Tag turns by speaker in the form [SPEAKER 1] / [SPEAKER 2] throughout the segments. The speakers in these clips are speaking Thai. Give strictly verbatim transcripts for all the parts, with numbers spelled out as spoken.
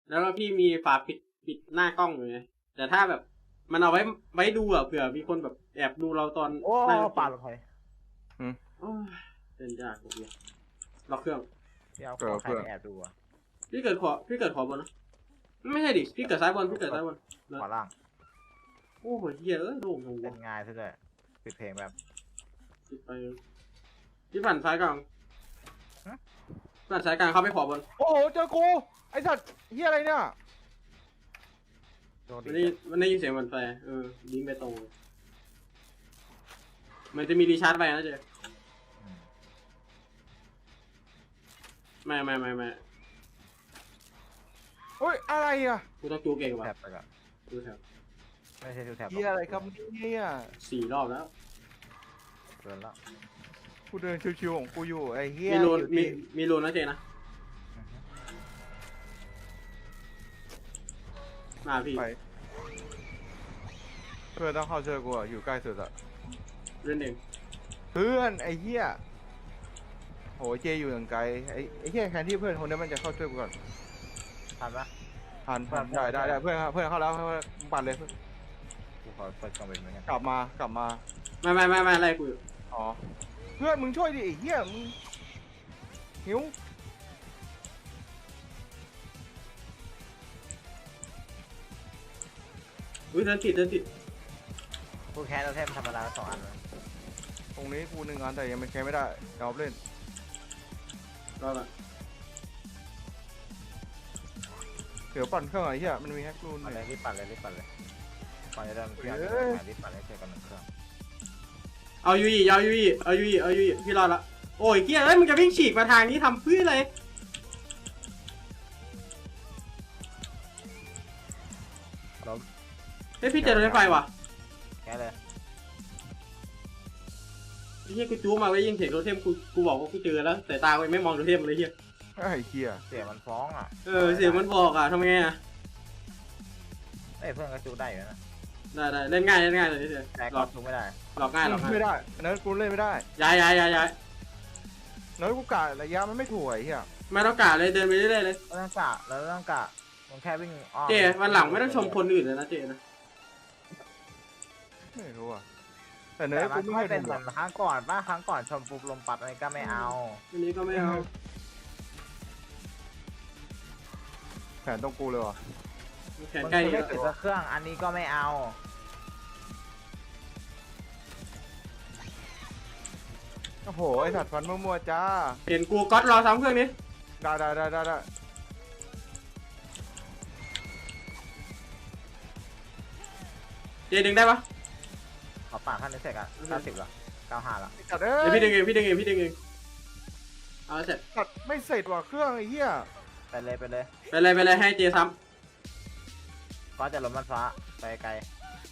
[SPEAKER 1] แล้วก็พี่มีฝาปิดปิดหน้ากล้องอยู่ไงแต่ถ้าแบบมันเอาไว้ไว้ดูอะเผื่อมีคนแบบแอบดูเราตอน
[SPEAKER 2] โอ้
[SPEAKER 1] นั่ง
[SPEAKER 2] ปาดรถไฟ
[SPEAKER 1] โอ้ยเป็นยากผมเนี่ยล็อกเครื่อง
[SPEAKER 2] พี่เอาของใครไปแอบดูอ่ะ
[SPEAKER 1] พี่เกิดขอพี่เกิดขอบนนะไม่ใช่ดิพี่เกิดซ้ายบนพี่เกิดซ้ายบน
[SPEAKER 2] ขวาล่าง
[SPEAKER 1] โอ้โหเฮียเอ้ยโล่งลง
[SPEAKER 2] เป็
[SPEAKER 1] วะ
[SPEAKER 2] นง่ายซะด้วยปิดเพลงแบบ
[SPEAKER 1] ปิดไปพี่ปั่นซ้ายกลางปั่นซ้ายกลางเข้าไปขอบน
[SPEAKER 3] โอ้โหเจอกูไอสัตว์เฮียอะไรเนี่ย
[SPEAKER 2] โดน
[SPEAKER 1] มัน
[SPEAKER 2] ดิ
[SPEAKER 1] ได้มันได้ยินเสียงมันไฟเออยิงไปตรงมันจะมีรีชาร์จไปนะเจ๊ไม่ไม่ไม่ไม่
[SPEAKER 3] เฮ้ยอะไรอ่ะ
[SPEAKER 1] กูต้องจูเก่งว่ะ
[SPEAKER 2] แท็บไปก่อน
[SPEAKER 1] ดูแถว
[SPEAKER 2] ไม่ใช่ทูแท็บ
[SPEAKER 3] เฮียอะไรครับเนี่ย
[SPEAKER 1] สี่รอบแล้ว
[SPEAKER 2] เกินแล้ว
[SPEAKER 3] กูเดินชิวๆของกูอยู่ไอ้เฮีย
[SPEAKER 1] มีรูน
[SPEAKER 3] อยู่
[SPEAKER 1] มี
[SPEAKER 3] ที่
[SPEAKER 1] มีรูนนะเจนะมาพี่
[SPEAKER 3] ไปเพื่อนต้องเข้าช่วยกูอ่ะอยู่ใกล้สุดอ่ะ
[SPEAKER 1] เล่นเอง
[SPEAKER 3] เพื่อนไอ้เฮียโหเจอยู่อย่างไกลไอ้ไอ้เฮียแทนที่เพื่อนคนนี้มันจะเข้าช่วยกูก่อน
[SPEAKER 2] ทันปะ
[SPEAKER 3] ทัน
[SPEAKER 2] เพื่อน
[SPEAKER 3] ได้ได้ได้เพื่อนเพื่อนเข้าแล้วเพื่อนปั่นเลย
[SPEAKER 2] กูขอเปิดกล้องเป็นเหมือนกัน
[SPEAKER 3] กลับมากลับมา
[SPEAKER 1] ไม่ไม่ไม่ไม่อะไรกูอยู่
[SPEAKER 3] อ๋อเพื่อนมึงช่วยดิไอ้เฮียมึงหิว
[SPEAKER 1] อุ้ยเดินติดเดินติด
[SPEAKER 2] กูแค่เราแทบธรรมดาสองอันเลย
[SPEAKER 3] ตรงนี้กูหนึ่งอันแต่ยังไม่แค่ไม่ได้ยอมเล่น
[SPEAKER 1] รอก่อน
[SPEAKER 3] เดี๋ยวปั่นเครื่องไอ้เหี้ยมันมีแฮกรูน
[SPEAKER 2] เอาเลย
[SPEAKER 3] เนี่ย
[SPEAKER 2] รีบปั่นเลยรีบปั่นเลยก่อนจะเดินพี่เอา
[SPEAKER 3] เอ้ย
[SPEAKER 2] รีบปั่นเลยช่วยกันหนึ่งเครื่อง
[SPEAKER 1] เอายูอีเอายูอีเอายูอีเอายูอีพี่รอดละโอ้ยเกียร์เอ้ยมึงจะวิ่งฉีกมาทางนี้ทำเพื่ออะไร
[SPEAKER 2] ล้ม
[SPEAKER 1] เฮ้ยพี่เจอรถไฟว่ะ
[SPEAKER 2] แค่เลย
[SPEAKER 1] ไอ้เฮียกูจู้มาไว้ยิงเสียงโทเทมกูกูบอกว่ากูเจอแล้วแต่ตากูยังไม่มองโทเทมเลยเฮีย
[SPEAKER 3] ไอ้เหี้ย
[SPEAKER 2] เสียงมันฟ้องอ่ะ
[SPEAKER 1] เออเสียงมันบอกอ่ะทำไงอ่ะ
[SPEAKER 2] เอ้ยเพื่อนก็จูได้อยู่นะ
[SPEAKER 1] ได้ได้เล่นง่ายเล่นง่ายเลยเฉย
[SPEAKER 2] แต่
[SPEAKER 1] หล
[SPEAKER 2] ก็
[SPEAKER 1] อก
[SPEAKER 2] จูไม่ได้
[SPEAKER 1] หลอกง่ายหลอกง่าย
[SPEAKER 3] ไม่ได้เนิร์ดกูเล่นไม่ได้
[SPEAKER 1] ย้ายย้ายย้ายย้าย
[SPEAKER 3] เนิร์ดกูกะระยะมันไม่ถูกไอ้เหี้ย
[SPEAKER 1] ไม่ต้องกะเลยเดินไปเรื่อยๆเลย
[SPEAKER 2] เราต้องกะเราต้องกะมันแค่วิ่งอ้อม
[SPEAKER 1] เจวันหลังไม่ต้องชมคนอื่นเลยนะเจนะ
[SPEAKER 3] ไม่รู้อ่ะแต่เนิ
[SPEAKER 2] แต่
[SPEAKER 3] ร์ด
[SPEAKER 2] มั
[SPEAKER 3] กู
[SPEAKER 2] น
[SPEAKER 3] ไม่
[SPEAKER 2] ไม่
[SPEAKER 3] ให้
[SPEAKER 2] เป็น
[SPEAKER 3] ถู
[SPEAKER 2] เห
[SPEAKER 3] ก
[SPEAKER 2] มือนครั้งก่อนป่ะครั้งก่อนชมปุ๊บลมปัดอะไรก็ไม่เอา
[SPEAKER 1] อันนี้ก็ไม่เอา
[SPEAKER 3] แผนตรงกูเลยว่ะ
[SPEAKER 1] แขนใกล้
[SPEAKER 2] มัน
[SPEAKER 1] นี่
[SPEAKER 2] ไม่
[SPEAKER 1] แล้ว
[SPEAKER 2] ติดสักเครื่องอันนี้ก็ไม่เอา
[SPEAKER 3] โอ้โหไอ้สัตว์ฟันมั่วๆจ้า
[SPEAKER 1] เห็นกูก๊อตรอซ้ำเครื่องนี้
[SPEAKER 3] ได้ได้ได้ได้ได้
[SPEAKER 1] เจดึงได้ปะ
[SPEAKER 2] ขอปากท่านนี้เสร็จอ่ะเก้าสิบละเก้าห้าละ
[SPEAKER 3] ไอ้สัตว์เอ้
[SPEAKER 1] เดี๋ยวพี่ดึงเองพี่ดึงเองพี่ดึงเองเอาเสร็จ
[SPEAKER 3] สัตว์ไม่เสร็จว่ะเครื่องไอ้เหี้ย
[SPEAKER 2] ไปเลยไปเลย
[SPEAKER 1] ไปเลยไปเลยให้เจซ้
[SPEAKER 2] ก็จะลมมันฟ้าไปไกล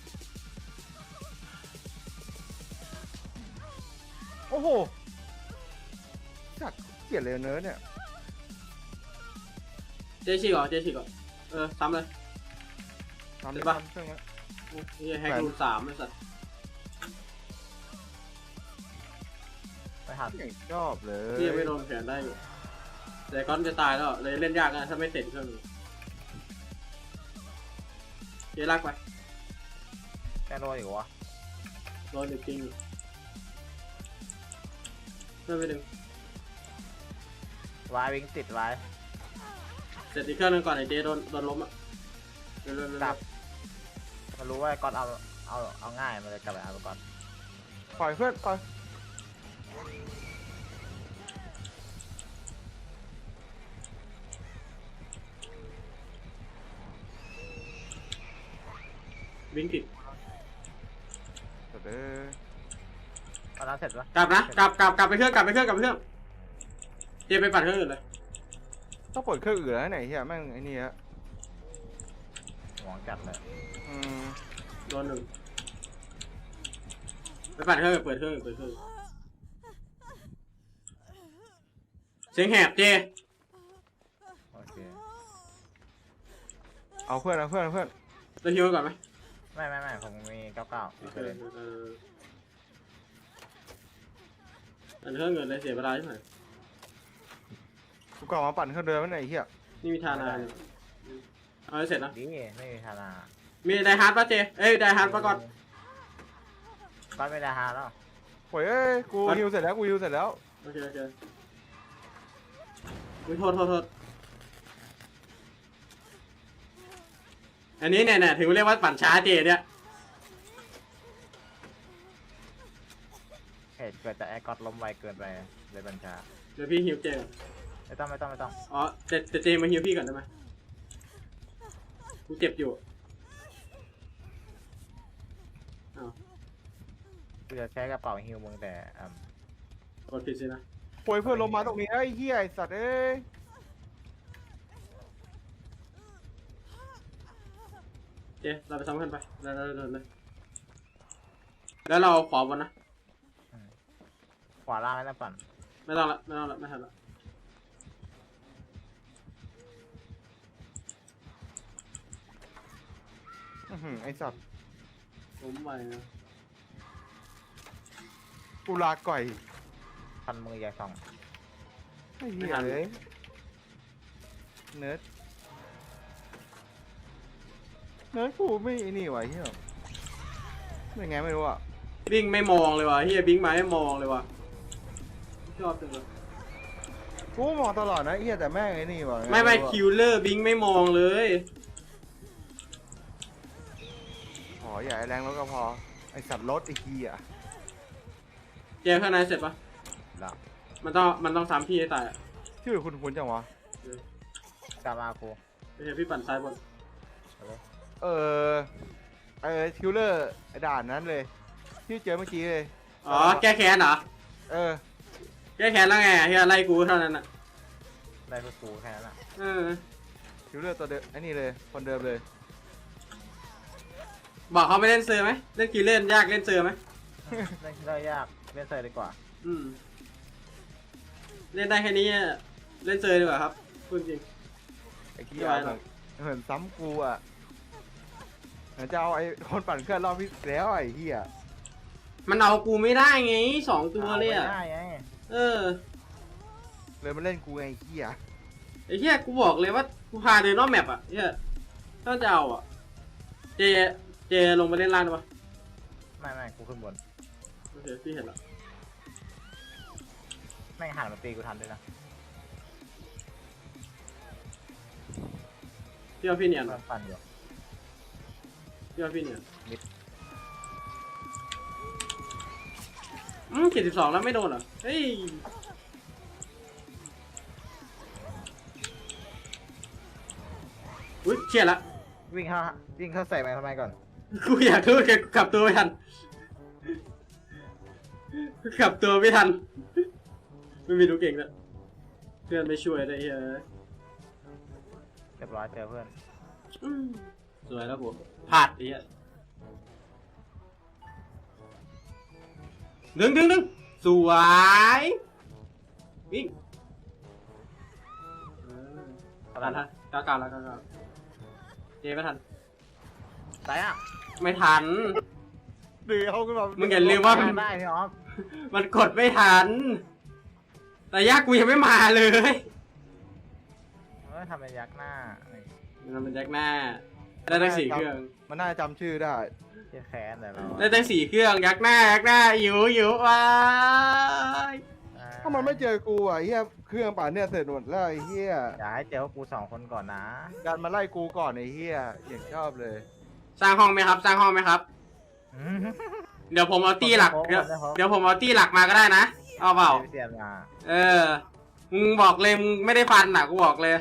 [SPEAKER 3] โอ้โหสัตว์เกลียดเลยเนิร์ดเนี่ย
[SPEAKER 1] ำเจฉีกก่อนเจฉีกก่อนเออซ้ำเลย
[SPEAKER 3] ทำ
[SPEAKER 1] เห็
[SPEAKER 3] ได้
[SPEAKER 1] นปะ
[SPEAKER 3] ปะเครื่องเนี้ย
[SPEAKER 1] นี่ให้รูสามไอ้สัตว์
[SPEAKER 2] ไม่ทัน
[SPEAKER 3] อย่างชอบเลย
[SPEAKER 1] พี่ยังไม่โดนแขนได้อยู่แต่ก้อนจะตายแล้วเลยเล่นยากนะถ้าไม่เสร็จเครื่องนี้เจลากไป
[SPEAKER 2] แค่โดนอีกวะ
[SPEAKER 1] โดนจริงเพื่อนไปดึง
[SPEAKER 2] วายวิ่งติดวาย
[SPEAKER 1] เสร็จอีกเครื่องนึงก่อนไอ้เจโดนโดนล้มอ่ะเร็วๆๆ
[SPEAKER 2] กลับมันรู้ว่าก่อนเอาเอาเอาง่ายมันเลยกลับไปเอาไปก่อน
[SPEAKER 3] ปล่อยเพื่อนปล่อย
[SPEAKER 1] วิ่งติด
[SPEAKER 3] สัตว์เอ้ย
[SPEAKER 2] ตอนนั้นเสร็จปะ
[SPEAKER 1] กลับนะกลับกลับกลับไปเครื่องกลับไปเครื่องกลับไปเครื่องเจไปปั่นเครื่องอื่นเลย
[SPEAKER 3] ต้องเปิดเครื่องอื่นแล้วไหนเหี้ยแม่งไอ้นี่ฮะ
[SPEAKER 2] หวงจัดเลย
[SPEAKER 3] อืม
[SPEAKER 1] โดนหนึ่งไปปั่นเครื่องอื่นเปิดเครื่องอื่นเปิดเครื่องอื่นเสียงแหบเจ
[SPEAKER 2] โอเค
[SPEAKER 3] เอาเพื่อนเอาเพื่อนเอาเพื่อน
[SPEAKER 1] เราฮิวก่อนไหม
[SPEAKER 2] ไม่ไม่ไม่ผมมีเก้าเก้า
[SPEAKER 1] โอเค
[SPEAKER 2] เลย
[SPEAKER 1] เออปั่นเครื่องอื่นเลยเสียเวลาใช่ไหม
[SPEAKER 3] กูกลับมาปั่นเครื่องเดิมแล้วไหนเหี้ย
[SPEAKER 1] นี่มีทานอะไรเอาให้เสร็จนะ
[SPEAKER 2] ดีไม่มีธนา
[SPEAKER 1] มีไดฮาร์ดป่ะเจเอ้ยไดฮาร์ดป่ะก่อน
[SPEAKER 2] ก็ไม่ได้ฮาแล้ว
[SPEAKER 3] โอ้ยเอ้ยกูฮิวเสร็จแล้วกูฮิวเสร็จแล้ว
[SPEAKER 1] โอเคโอเคอุ้ยโทษโทษโทษอันนี้เนี่ยเนี่ยถึงเรียกว่าปั่นช้าเจเนี่ย
[SPEAKER 2] เหตุเกิดจากไอ้ก๊อตล้มไวเกินไปเลยบัญชา
[SPEAKER 1] เดี๋ยวพี่ฮิวเจก่อน
[SPEAKER 2] ไม่ต้องไม่ต้องไม่ต้อง
[SPEAKER 1] อ๋อเจเจเจมาฮิวพี่ก่อนได้ไหมกูเจ็บอยู่อ้าว
[SPEAKER 2] กูจะใช้กระเป๋าฮิวมึงแต่อ่าก
[SPEAKER 1] ดผิดสินะ
[SPEAKER 3] โอ้ยเพื่อนลงมาตรงนี้ไอ้เหี้ยไอ้สัตว์เอ้ย
[SPEAKER 1] เจเราไปซ้ำกันไปแล้วแล้วแล้วแล้วแล้วเราขอบนนะ
[SPEAKER 2] ขวาล่างไม่ต้องปั่น
[SPEAKER 1] ไม่ต้องละไม่ต้องละไม่ทันละ
[SPEAKER 3] อื้อหือไอ้สัตว์
[SPEAKER 1] ผมไปนะ
[SPEAKER 3] กูลาก่อย
[SPEAKER 2] พันมืออย่าส่อง
[SPEAKER 3] ไอ้เหี้ยเลยเนิร์ดเนิร์ดกูไม่ไอ้นี่วะเหี้ยไม่ไงไม่รู้อ่ะ
[SPEAKER 1] บิงไม่มองเลยวะเฮียบิงมาไม่มองเลยวะชอบจังเลย
[SPEAKER 3] กูมองตลอดนะไอ้เหี้ยแต่แม่งไอ้นี่วะ
[SPEAKER 1] ไม่ไม่
[SPEAKER 3] รู้อะ
[SPEAKER 1] คิวเลอร์บิงไม่มองเลย
[SPEAKER 3] อ๋ออย่าให้แรงรถก็พอไอ้สัตว์รถไอ้เหี้ย
[SPEAKER 1] เจข้างในเสร็จปะ
[SPEAKER 2] แล้ว
[SPEAKER 1] มันต้องมันต้องซ้ำพี่ให้ตายอะ
[SPEAKER 3] ชื่อคุณคุณจังวะ
[SPEAKER 2] กลับมากู
[SPEAKER 1] ไม่ใช่พี่ปั่นซ้ายบน
[SPEAKER 3] เออเออคิวเลอร์ไอ้ด่านนั้นเลยที่เจอเมื่อกี้เลย
[SPEAKER 1] อ๋อแก้แค้นเหรอ
[SPEAKER 3] เออ
[SPEAKER 1] แก้แค้นแล้วไงเฮียไล่กูเท่านั้นอ่ะ
[SPEAKER 2] ได้คือกูแค่นั้นแหละ
[SPEAKER 1] เออ
[SPEAKER 3] คิวเลอร์ตัวเดิมไอ้นี่เลยคนเดิมเลย
[SPEAKER 1] บอกเขาไม่เล่นเซอร์ไหมเล่นคิวเล่นยากเล่นเซอร์ไหม
[SPEAKER 2] เล่นได้ยากเล่นเซอร์ดีกว่า
[SPEAKER 1] อืมเล่นได้แค่นี้อะเล่นเซอร์ดีกว่าครับพูดจริง
[SPEAKER 3] ไอ้เหี้
[SPEAKER 1] ไม่
[SPEAKER 3] ย
[SPEAKER 1] ไหว
[SPEAKER 3] เห
[SPEAKER 1] หร
[SPEAKER 3] มื
[SPEAKER 1] อ
[SPEAKER 3] อก นเหมือนซ้ำกูอ่ะเหมือนจะเอาไอ้คนปั่นเครื่องรอบที่แล้วไอ้เหี้ย
[SPEAKER 1] มันเอากูไม่ได้ไงสองตัวเลยอ่ะ
[SPEAKER 2] อาไม่ได้ไง
[SPEAKER 1] เออ
[SPEAKER 3] เลยมาเล่นกูไงไอ้เหี้ย
[SPEAKER 1] ไอ้เหี้ยกูบอกเลยว่ากูพาเดินรอบแมปอ่ะเหี้ยถ้าจะเอาอ่ะเจเจลงไปเล่นล่างได้ปะ
[SPEAKER 2] ไม่ไม่กูขึ้นบน
[SPEAKER 1] โอเคพี่เห็นแล้ว
[SPEAKER 2] แม่งหันมาตีกูทันด้วยนะ
[SPEAKER 1] พี่ว่าพี่เนียน
[SPEAKER 2] เพื่อนปั่นอยู่
[SPEAKER 1] พี่ว่าพี่เนียน
[SPEAKER 2] มิด
[SPEAKER 1] อืมเจ็ดสิบสองแล้วไม่โดนเหรอเฮ้ยอุ้ยเชี่ยละ
[SPEAKER 2] วิ่งเข้าวิ่งเข้าใส่ไปทำไมก่อน
[SPEAKER 1] กูอยากรู้แกกลับตัวไม่ทันกลับตัวไม่ทันไม่มีดูเก่งเลยเพื่อนไม่ช่วยเลยเฮ้ย
[SPEAKER 2] เรียบร้อยเจอเพื่อน
[SPEAKER 1] อืมสวยแล้วกูพลาดไอ้เหี้ยดึงดึงดึงสวยวิ่งเออ
[SPEAKER 2] เท่า
[SPEAKER 1] ทั
[SPEAKER 2] นั้น น
[SPEAKER 1] ทันก้าวก้าวแล้วก้าวก้าวเจไม่ทัน
[SPEAKER 2] ตายอ่ะ
[SPEAKER 1] ไม่ทัน
[SPEAKER 3] เดี๋ยวขึ้นมา
[SPEAKER 1] มึงอย่าลืมว่า
[SPEAKER 2] ได้ได้พี่ออฟ
[SPEAKER 1] มันกดไม่ทัน แต่ยากกูยังไม่มาเลย
[SPEAKER 2] เออทำเป็นยักษ์หน้านี่
[SPEAKER 1] มันเป็นแจ็คหน้าได้ตั้งสี่เครื่อง
[SPEAKER 3] มันน่าจะจำชื่อได้
[SPEAKER 2] เจ๊แค้นแต่เรา
[SPEAKER 1] ได้ตั้งสี่เครื่องยักหน้ายักหน้าหิวหิวว้าย
[SPEAKER 2] อ่
[SPEAKER 3] ถ้ามันไม่เจอกูอ่ะไอ้เหี้ยเครื่องป่านเนี่ยเสร็จหมดแล้วไอ้เหี้ย
[SPEAKER 2] อย่าให้เจอพวกกูสองคนก่อนนะ
[SPEAKER 3] การมาไล่กูก่อนไอ้เหี้ยอย่างชอบเลย
[SPEAKER 1] สร้างห้องไหมครับ สร้างห้องไหมครับ
[SPEAKER 2] อืม
[SPEAKER 1] เดี๋ยวผมเอาตี้หลัก
[SPEAKER 2] ผม
[SPEAKER 1] เดี๋ยว
[SPEAKER 2] ผมผม
[SPEAKER 1] เดี๋ยวผมเอาตี้หลักมาก็ได้นะ เอาเปล่า
[SPEAKER 2] เสียมา
[SPEAKER 1] เออ มึงบอกเลยมึงไม่ได้ฟันอ่ะกูบอกเลย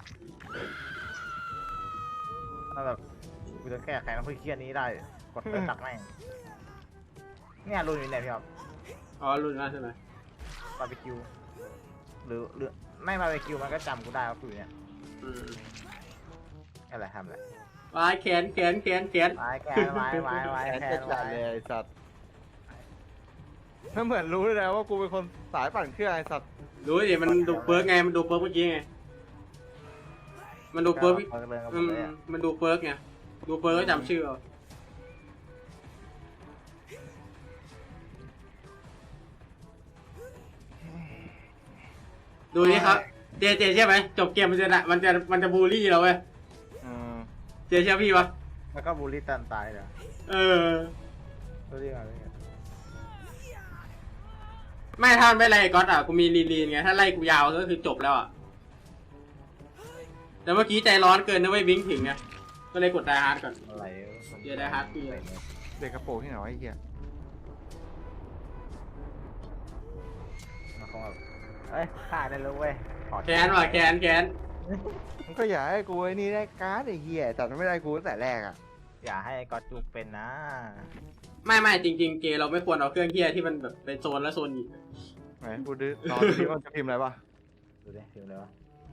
[SPEAKER 2] ถ้าแบบกูจะแก้แค้นเพื่อเครียดนี้ได้กดไปตักแม่งเนี่ยรุนอยู่เนี่ยพี่ออฟ
[SPEAKER 1] อ๋อรุ่นมากใช่ไหม
[SPEAKER 2] บาร์บีคิวหรือหรือไม่บาร์บีคิวมันก็จำกูได้ว่ากูอยู่เนี่ย
[SPEAKER 1] อืม
[SPEAKER 2] อะไรทำอะไร
[SPEAKER 1] วายแขนแขนแขนแขน
[SPEAKER 2] ไม้แกนไม้ไม้ไม้
[SPEAKER 3] แขน
[SPEAKER 2] แก
[SPEAKER 3] จะ
[SPEAKER 2] น
[SPEAKER 3] จัด
[SPEAKER 2] ไม้
[SPEAKER 3] เลยไอ้สัตว์มันเหมือนรู้เลยนะว่ากูเป็นคนสายปั่นเครื่องไอ้สัตว์
[SPEAKER 1] ดูดิมันดูเปิร์กไงมันดูเปิร์กเมื่อกี้ไงมันดูเปิร์ก
[SPEAKER 2] เปิดเลยกับผ
[SPEAKER 1] อื
[SPEAKER 2] ม
[SPEAKER 1] ม
[SPEAKER 2] เลยอะ
[SPEAKER 1] มันดูเปิร์กไงดูเปิร์กก็จำชื่อเอาดูนี่ครับเจเจใช่ไหมจบเกมมันจะน่ะมันจะมันจะบูลลี่เราเว้ย
[SPEAKER 3] อืม
[SPEAKER 1] เจเชื่อพี่ปะ
[SPEAKER 2] แล้วก็บูลลี่ตันตายเลย
[SPEAKER 1] เออ
[SPEAKER 2] บูลลี่มาเลย
[SPEAKER 1] ไม่ถ้าไม่ไล่ก๊อตอ่ะกูมีลีนลีนไงถ้าไล่กูยาวก็คือจบแล้วอ่ะแต่เมื่อกี้ใจร้อนเกินนะเว้ยวิ่งถึงไงก็เลยกดไดฮาร์ดก่อน
[SPEAKER 2] อะไร
[SPEAKER 1] เดี๋ยวได้ฮาร์ดปีเลย
[SPEAKER 3] เด็กกระโปรงที่ไหนวะไอ้เหี้ย
[SPEAKER 2] มันคงแบบเอ้ยฆ่าได้แล้วเว้ยขอ
[SPEAKER 1] แกนว่ะแกนแกน
[SPEAKER 3] มันก็อยากให้กูไอ้นี่ได้การ์ดไอ้เหี้ยแต่มันไม่ได้กูตั้งแต่แรกอ่ะ
[SPEAKER 2] อย่าให้กอดจูบเป็นนะ
[SPEAKER 1] ไม่ไม่จริง ๆ เกย์เราไม่ควรเอาเครื่องเฮียที่มันแบบเป็นโซนและโซนอีก
[SPEAKER 3] ไหนกูดูรอดูดิว่าจะพิมพ์อะไรปะ
[SPEAKER 2] ดูดิพิมพ์เลยวะ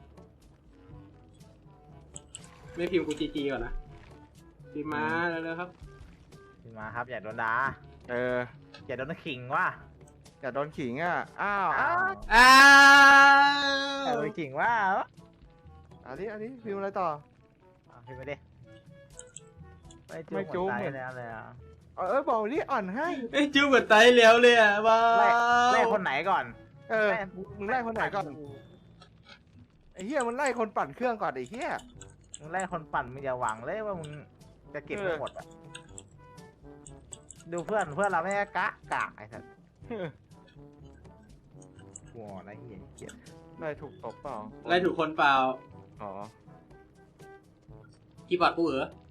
[SPEAKER 1] ไม่พิมพ์กูจีจีก่อนนะพิมพ์มาแล้วๆครับ
[SPEAKER 2] พิมพ์มาครับอย่าโดนด่า
[SPEAKER 3] เออ
[SPEAKER 2] อย่าโดนขิงว่ะ
[SPEAKER 3] อย่าโดนขิงอ่ะอ้าวอ้าว
[SPEAKER 1] อ้า
[SPEAKER 2] อย่าโด
[SPEAKER 1] วน
[SPEAKER 2] ขิงว่ะ
[SPEAKER 3] อันนี้อันนี้พิมพ์อะไรต่อ
[SPEAKER 2] อ่ะพิมพ์ไปดิไม่
[SPEAKER 3] ไม่จู
[SPEAKER 2] จู
[SPEAKER 3] บบ เหมื
[SPEAKER 2] เหมื
[SPEAKER 3] อ
[SPEAKER 2] อน นแล้วเลยอ่ะ
[SPEAKER 3] เออเออบอกนี่อ่อนให้
[SPEAKER 1] ไอ้จิ้วเหมือนไตเลี้ยวเลยอ่ะว้า
[SPEAKER 2] ไล่
[SPEAKER 1] ว
[SPEAKER 2] ไล่คนไหนก่อน
[SPEAKER 3] เออ
[SPEAKER 2] ไล่
[SPEAKER 3] มึงไล่คนไหนก่อนไอ้เหี้ยมันไล่คนปั่นเครื่องก่อนไอ้เหี้ย
[SPEAKER 2] มึงไล่คนปั่นมึงอย่าหวังเลยว่ามึงจะเก็บ
[SPEAKER 3] เออ
[SPEAKER 2] ทั้งหมดอ่ะดูเพื่อนเพื่อนเราไม่ได้กะกะไอ้สัสหัวอะไรเหี้ยเกลียด
[SPEAKER 3] ไล่ถูกตบเปล่า
[SPEAKER 1] ไล่ถูกคนเปล่า
[SPEAKER 3] อ๋อ
[SPEAKER 1] กีบอร์ดกูเหรอ